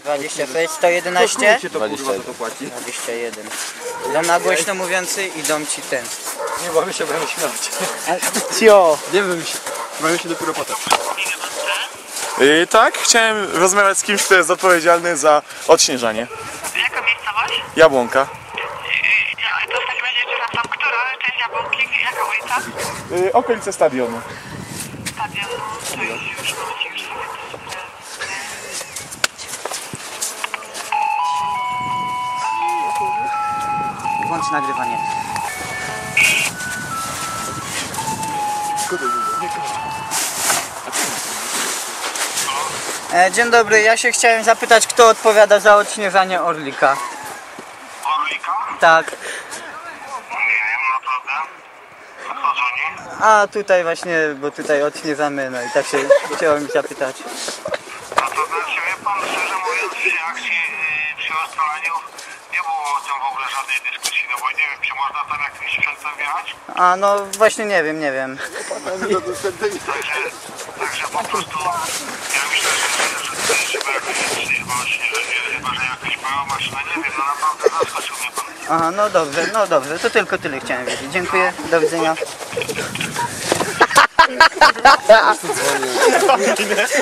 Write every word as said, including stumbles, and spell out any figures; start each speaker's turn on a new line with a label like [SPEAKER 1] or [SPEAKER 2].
[SPEAKER 1] dwadzieścia sześć, sto jedenaście?
[SPEAKER 2] Się to kurwa, to płaci.
[SPEAKER 1] dwadzieścia jeden. Dom na głośno mówiący i dom ci ten.
[SPEAKER 2] Nie bawię się, będę śmiać.
[SPEAKER 1] Cio!
[SPEAKER 2] Nie wiem się. Bawię się dopiero potem.
[SPEAKER 3] Yy, tak, chciałem rozmawiać z kimś, kto jest odpowiedzialny za odśnieżanie.
[SPEAKER 4] Jaka miejscowość?
[SPEAKER 3] Jabłonka.
[SPEAKER 4] Yy, to w takim razie, przepraszam, która część Jabłonki, jaka ulica?
[SPEAKER 3] Yy, okolice stadionu.
[SPEAKER 4] Stadion, to już, już, momencie, już sobie
[SPEAKER 1] Włącz nagrywanie. E, dzień dobry, ja się chciałem zapytać, kto odpowiada za odśnieżanie Orlika?
[SPEAKER 4] Orlika?
[SPEAKER 1] Tak.
[SPEAKER 4] Nie wiem, naprawdę. A kto dzwoni?
[SPEAKER 1] A tutaj właśnie, bo tutaj odśnieżamy, no i tak się chciałem zapytać.
[SPEAKER 4] A to znaczy, wie pan, szczerze mówiąc, przy akcji, yy, przy ustalaniu nie było o tym w ogóle żadnej dyskusji, no bo nie wiem, czy można tam jakimś sprzętem wjechać?
[SPEAKER 1] A no właśnie nie wiem, nie wiem.
[SPEAKER 4] Także, także po prostu, ja myślę, że, że tutaj trzeba jakoś właśnie, że chyba, że jakaś mała maszyna, nie wiem, no naprawdę zaskoczył mnie pan.
[SPEAKER 1] Aha, no dobrze, no dobrze, to tylko tyle chciałem wiedzieć. Dziękuję, do widzenia.